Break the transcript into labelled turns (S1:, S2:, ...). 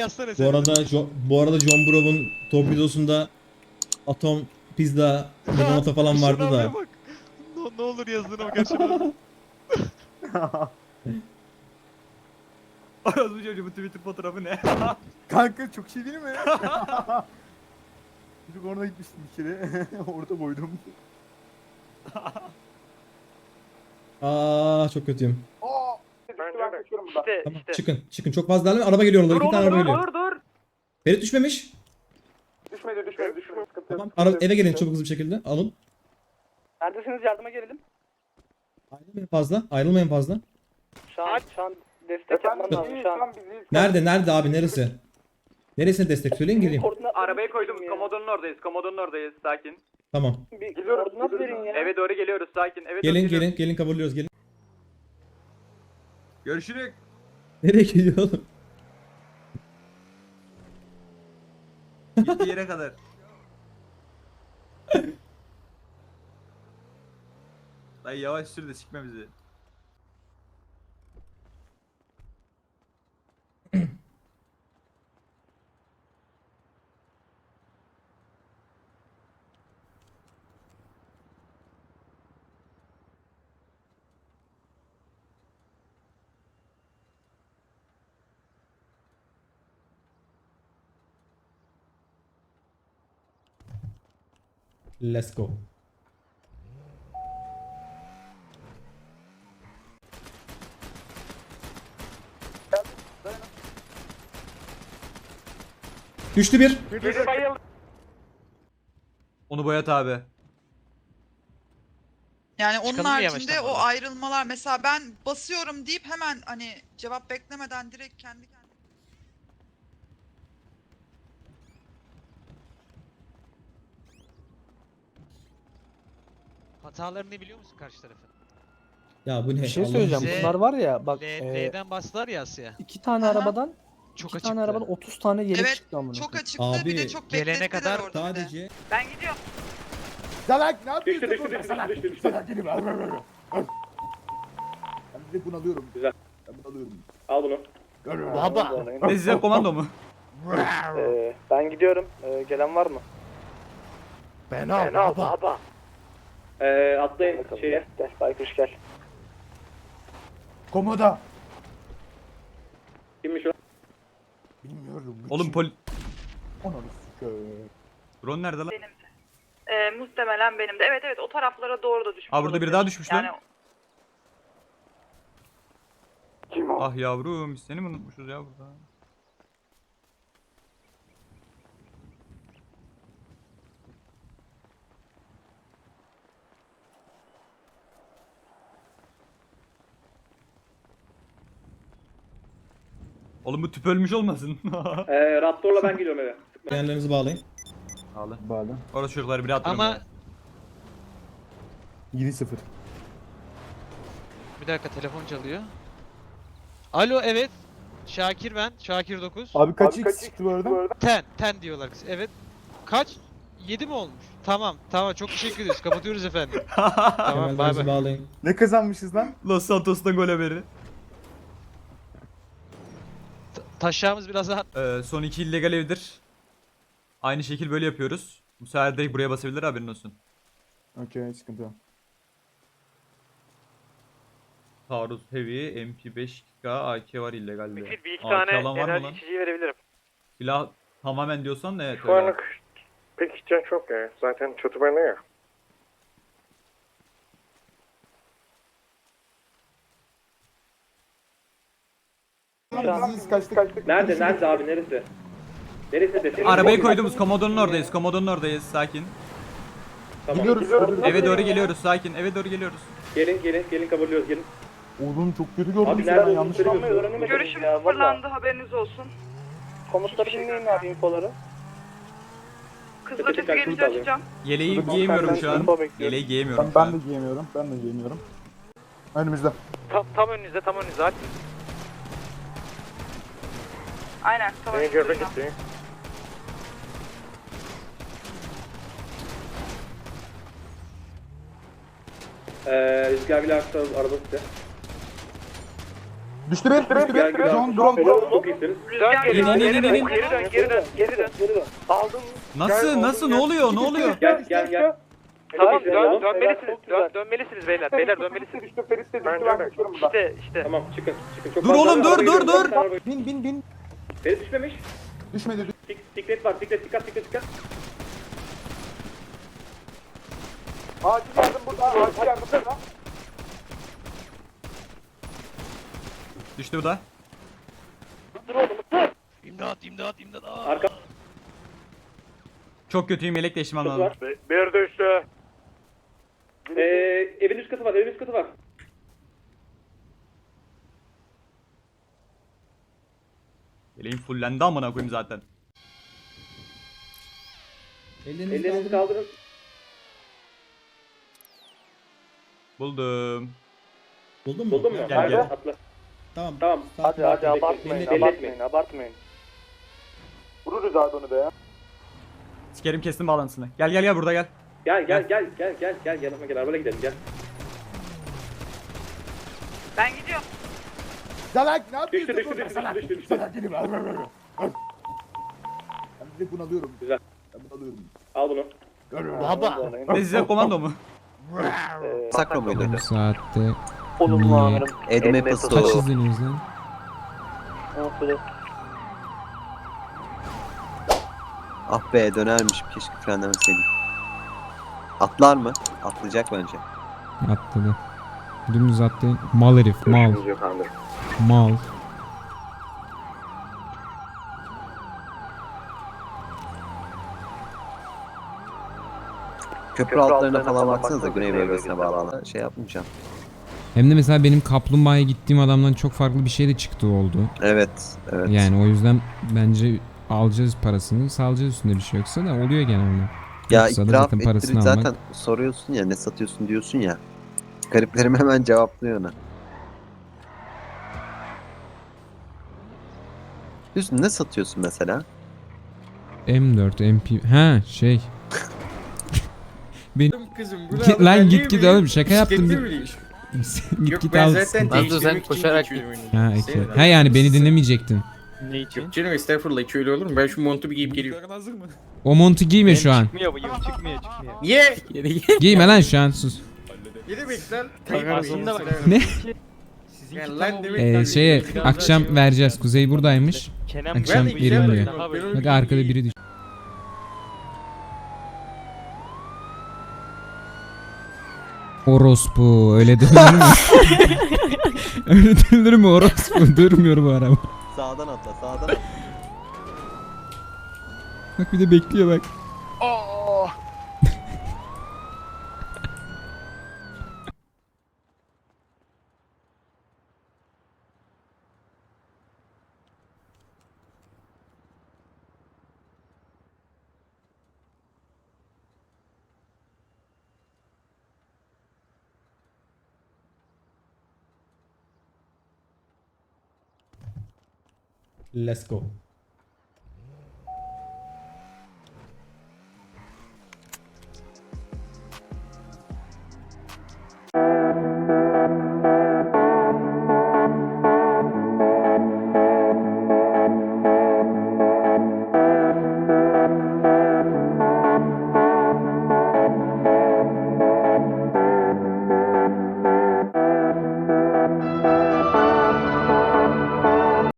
S1: yazsana
S2: Bu
S1: sen.
S2: arada John Brov'un torpidosunda atom, pizza, limonata falan vardı da.
S1: Bak. Ne olur yazdığına bak aşağıda.
S3: Orası çocuğu bu Twitter fotoğrafı ne?
S4: Kanka çok şey değil mi? Çocuk orada gitmiştim bir kere. Orada boydum.
S2: Aa çok kötüyüm.
S5: İşte
S2: Tamam
S5: işte.
S2: çıkın çok fazla ilerleme. Araba geliyor orada.
S5: Dur
S2: İki tane
S5: oğlum
S2: araba
S5: dur
S2: geliyor.
S5: dur dur.
S2: Ferit düşmemiş.
S5: Düşmedi.
S2: Tamam. Eve gelin çok hızlı bir şekilde. Alın.
S5: Neredesiniz, yardıma gelelim.
S2: Ayrılmayın fazla.
S5: Şu an destek yapmam lazım şu an.
S2: Nerede abi neresi? Neresine destek söyleyin geleyim.
S5: Arabayı koydum, komodonun oradayız, sakin.
S2: Tamam.
S5: Bir koordinat verin ya. Eve doğru geliyoruz, sakin. Eve doğru
S2: Gelin
S5: geliyoruz.
S2: gelin kabulluyoruz gelin.
S3: Görüşürük.
S2: Nereye gidiyor oğlum?
S3: Gittiği yere kadar. Dayı yavaş sür de sikme bizi.
S2: Let's go. Düştü bir.
S5: Biri bayıldı.
S3: Onu boyat abi.
S6: Yani onun
S1: Çıkalım mı
S6: haricinde
S1: yavaştan
S6: o
S1: buradan?
S6: ayrılmalar, mesela ben basıyorum deyip hemen hani cevap beklemeden direkt kendi kendine.
S1: Hatalarını biliyor musun karşı tarafın?
S2: Ya bu ne?
S7: Bir şey
S2: Allah'ım.
S7: söyleyeceğim.
S1: Z-
S7: Bunlar var ya bak
S1: L'den bastılar ya Asya.
S7: iki tane
S6: Aha.
S7: arabadan
S1: Çok
S7: iki
S1: açıktı.
S7: tane arabadan 30 tane yelek
S6: Evet,
S7: çıktı amına.
S6: çok
S7: koyayım.
S6: açıktı, bir de
S2: Abi,
S6: çok
S1: gelene
S6: beklettiler
S1: kadar
S6: orada bir de.
S2: Sadece
S6: Ben gidiyorum.
S4: Salak ne yapıyorsun? Salak gelin. Ben de bunalıyorum. Güzel. Ben bunalıyorum.
S5: Al bunu.
S4: Baba.
S3: Ne size komando mu?
S5: Ben gidiyorum. Gelen var mı?
S4: Ben al baba.
S5: Atlayın şeye. Gel, Baykuş gel.
S4: Komoda.
S5: Kimmiş o?
S4: Bilmiyorum.
S3: Oğlum
S4: Ananı sikeyim.
S3: drone nerede lan?
S6: Muhtemelen benim de. Evet evet, o taraflara doğru da düşmüş.
S3: Aa burada biri daha düşmüş lan.
S6: Yani
S5: Kim o?
S3: Ah yavrum biz seni mi unutmuşuz ya burada? Oğlum bu tüp ölmüş olmasın?
S5: Raptor'la ben gidiyorum eve.
S2: yerlerinizi bağlayın.
S3: Ağlı.
S4: Bağlı.
S3: Orası çocukları biri attırıyor.
S1: Ama
S4: 7-0.
S1: bir dakika, telefon çalıyor. Alo, evet. Şakir ben. Şakir 9.
S4: Abi kaç x çıktı bu arada?
S1: Ten diyorlar kız. Evet. Kaç? 7 mi olmuş? Tamam çok teşekkür ederiz. Kapatıyoruz efendim. Tamam, bay
S2: Kemerlerinizi
S1: bay.
S2: bağlayın.
S4: Ne kazanmışız lan?
S3: Los Santos'tan gol haberi.
S1: Taşağımız biraz daha...
S3: Son iki illegal evdir. Aynı şekil böyle yapıyoruz. Bu sefer direkt buraya basabilir haberin olsun.
S4: Okey sıkıntı yok.
S3: Taarruz Heavy, MP5K, AK var illegalde.
S5: Bir iki
S3: AK
S5: tane
S3: alan var mı lan?
S5: enerji içeceği verebilirim.
S3: Silah tamamen diyorsan evet
S8: Şu
S3: öyle.
S8: anlık pek ihtiyaç yok ya. Zaten çatı bende ya.
S4: Biz kaçtık.
S5: Nerede abi, neresi? Neresi desin?
S3: Arabayı koyduğumuz komodonun oradayız sakin.
S4: Gidiyoruz.
S3: Eve doğru geliyoruz sakin, eve doğru geliyoruz.
S5: Gelin kabulluyoruz, gelin.
S4: Oğlum çok kötü gördüm.
S5: Abi
S4: seni,
S5: nerede
S4: ben yanlış
S5: olduğunu
S4: anladım.
S5: öğrenemedim
S6: görüşüm
S5: ya,
S6: sıfırlandı, haberiniz olsun.
S5: Komutları dinleyin abi, infoları.
S6: Kızılötesi
S5: Tepeki
S6: gelince
S5: kalkınız alıyor.
S6: açacağım.
S3: Yeleği
S4: Dur,
S3: giyemiyorum
S4: ben
S3: şu an.
S5: info bekliyorum.
S3: Yeleği giyemiyorum şu
S4: Ben
S3: an.
S4: de giyemiyorum. Ben de giyemiyorum. Önümüzde.
S5: Tam önünüzde aç.
S6: Aynen, tamam.
S8: Beni görmek istiyor.
S5: Rüzgar bile aksa araba size.
S4: Düştü bir. John drone.
S5: Çok iyisiniz. Geri dön. Aldım.
S3: Nasıl ne oluyor?
S5: Gel.
S9: Tamam dönmelisiniz beyler. Beyler dönmelisiniz.
S4: Düştü Ferit de düştü ben kaçıyorum buradan.
S9: İşte.
S5: Tamam çıkın. Çok
S3: Dur
S5: fazla
S3: oğlum, dur,
S5: arabaya
S3: dur,
S5: gidiyorum.
S3: dur.
S5: Arabaya-
S4: Bin.
S5: Ferit düşmemiş.
S4: Düşmedi.
S5: Siklet var. Dikkat.
S4: Acil yardım burada. Acil yardım burada.
S3: Düştü bu da.
S5: Arka
S3: Çok kötüyüm, yelek değiştirmem lazım.
S5: var.
S8: Bir düştü.
S5: Evin üst katı var.
S3: Yeleğim fullendi amına koyayım zaten.
S5: Ellerinizi kaldırın.
S3: Buldum.
S2: Buldun mu?
S5: Buldun mu?
S3: Gel.
S5: Atla.
S2: Tamam.
S5: Hadi
S9: Abartmayın.
S4: Vururuz abi onu be ya.
S3: Sikerim, kestim bağlantısını. Gel burada gel.
S5: Gel. Yanıma gel. Arabayla gidelim gel.
S6: Ben gidiyorum.
S4: Salak ne yapıyorsun?
S5: Düştü.
S4: Salak değilim. Ben bir de bunu alıyorum.
S5: Güzel.
S4: Ben bunu alıyorum.
S5: Al bunu.
S3: Ne size komando mu?
S10: Sakro muydu?
S11: Bu saatte
S9: Olumlu amirim.
S10: Edme
S11: kaç
S10: Pasto.
S11: izleniyoruz lan?
S10: Ah be, dönermişim, keşke frenlemeseydim. Atlar mı? Atlayacak bence.
S11: Atladı. Dümdüz attı. Mal herif, mal.
S8: Yok amirim.
S11: Mal.
S10: Köprü altlarına falan baksanıza, güney bölgesine bağlanan. Şey yapmayacağım.
S11: Hem de mesela benim kaplumbağaya gittiğim adamdan çok farklı bir şey de çıktı oldu.
S10: Evet.
S11: Yani o yüzden bence alacağız parasını, salacağız, üstünde bir şey yoksa da oluyor genelde.
S10: Ya
S11: Yoksa da
S10: itiraf
S11: zaten parasını
S10: ettirip
S11: almak.
S10: zaten soruyorsun ya, ne satıyorsun diyorsun ya. Gariplerim hemen cevaplıyor ona. Diyorsun, ne satıyorsun mesela?
S11: M4, MP... Ha şey... Lan git oğlum, şaka yaptım. git al.
S9: Sen koşarak
S11: Ha, okay. Ha yani beni dinlemeyecektin.
S9: Ne için?
S8: Yok canım estağfurullah, hiç öyle olur mu? Ben şu montu bir giyip geliyorum.
S11: O montu giyme şu an.
S9: Çıkmıyor.
S8: Niye?
S11: Giyme lan şu an, sus.
S8: Ne demek lan?
S9: Aslında bak.
S11: Ne?
S8: Yani lan demek.
S11: Şeye akşam vereceğiz. Kuzey buradaymış.
S9: Kenan
S11: Akşam
S8: Ben de
S11: verim
S8: güzel
S11: diyor.
S8: bakıyorum.
S11: Bak arkada biri düş. Orospu öyle dönülür mü? Öyle dönülür mü orospu? Durmuyor bu araba.
S10: Sağdan atla, sağdan atla.
S11: Bak bir de bekliyor bak.
S2: Let's go.